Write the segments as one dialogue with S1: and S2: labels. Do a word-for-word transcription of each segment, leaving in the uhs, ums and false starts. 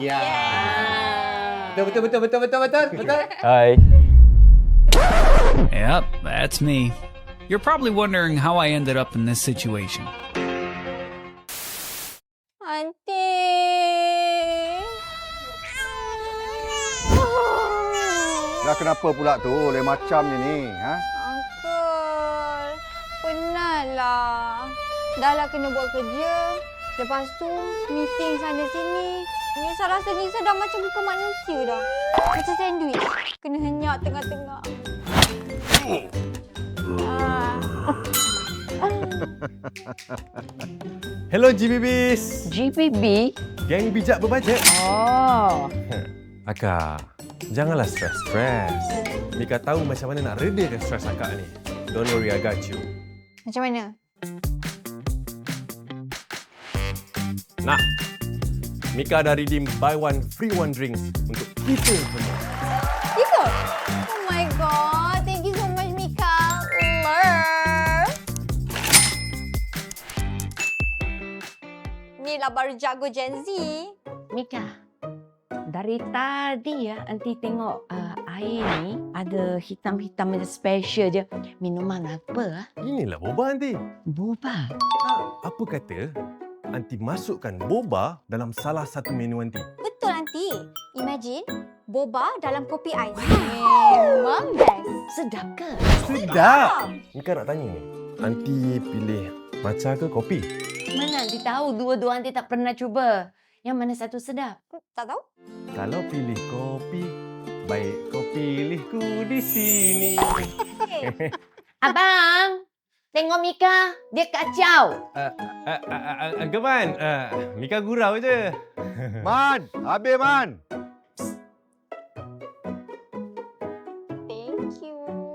S1: Ya. Betul, betul, betul, betul, betul, betul, betul.
S2: Hi.
S3: Yep, that's me. You're probably wondering how I ended up in this situation.
S4: Aunty.
S5: Dah kenapa pula tu? Lain macam ni ni. Ha?
S4: Uncle, penatlah. Dah lah kena buat kerja. Lepas tu, meeting sana sini. Nisa rasa Nisa dah macam bukan manusia dah. Macam sandwich. Kena henyak tengah-tengah. Ah.
S6: Hello G B Bs.
S7: G B B?
S6: Geng bijak berbajet.
S7: Oh.
S6: Akak, janganlah stres-stres. Mika tahu macam mana nak redakan stres akak ni. Don't worry, I got you.
S4: Macam mana?
S6: Nah, Mika dah redeem buy one free one drinks untuk kita semua.
S4: Itu? Oh my god. Thank you so much, Mika. Love. Ni lah baru jago Gen Z.
S7: Mika, dari tadi ya, Aunty tengok uh, air ni ada hitam-hitam macam special je. Minuman apa? Ah?
S6: Inilah boba, Aunty.
S7: Boba.
S6: Apa kata Aunty masukkan boba dalam salah satu menu Aunty?
S4: Betul, Aunty. Imagine boba dalam kopi ais. Memang best.
S7: Sedap ke?
S6: Sedap! Mika nak tanya ni, Aunty pilih matcha ke kopi?
S7: Mana Aunty tahu dua-dua Aunty tak pernah cuba. Yang mana satu sedap?
S4: Tak tahu?
S6: Kalau pilih kopi, baik kau pilih ku di sini.
S7: Abang, tengok Mika. Dia kacau.
S6: Uh, uh, uh, uh, uh, Geman, uh, Mika gurau je.
S5: Man, habis Man.
S4: Thank you.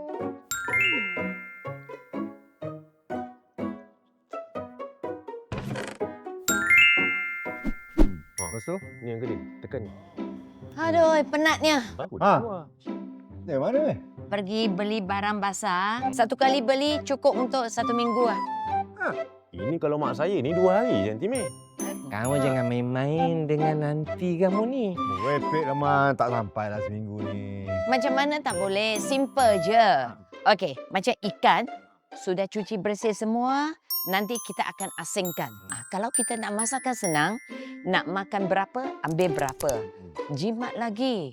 S6: Lepas tu, ni yang kedua. Tekan ni.
S7: Aduh, penatnya.
S5: Ha. Eh, mana ni?
S7: Pergi beli barang basah. Satu kali beli cukup untuk satu minggu lah.
S6: Ini kalau mak saya ni dua hari je, Aunty May.
S2: Kamu jangan main-main dengan nanti kamu ni.
S5: Wepek lah Man, tak sampai lah seminggu ni.
S7: Macam mana tak boleh? Simple je. Okey, macam ikan. Sudah cuci bersih semua. Nanti kita akan asingkan. Ah, kalau kita nak masakkan senang, nak makan berapa, ambil berapa. Jimat lagi.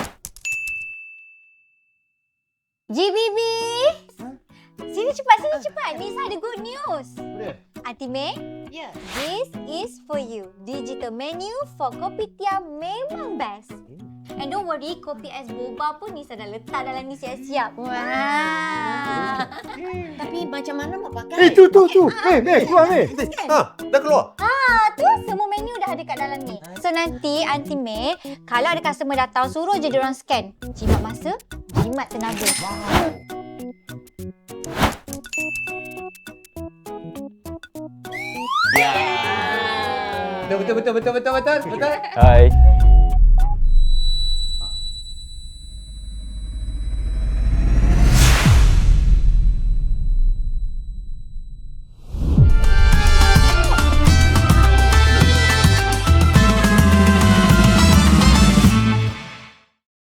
S4: G B B. Sini cepat, sini cepat. Nisa ada good news.
S5: Boleh?
S4: Aunty May,
S7: Ya.
S4: this is for you. Digital menu for Kopitiam memang best. And don't worry, kopi ais boba pun Nisa dah letak dalam ni siap-siap.
S7: Wah. Tapi macam mana mau pakai?
S5: Eh, tu, tu, tu. Eh, May, keluar May.
S6: Ha, dah keluar?
S4: Ah, tu semua menu dah ada kat dalam ni. So nanti Aunty May, kalau ada customer datang, suruh je diorang scan. Jimat masa, jimat tenaga.
S1: Ya. Betul, betul, betul, betul, betul, betul, betul.
S2: Hi.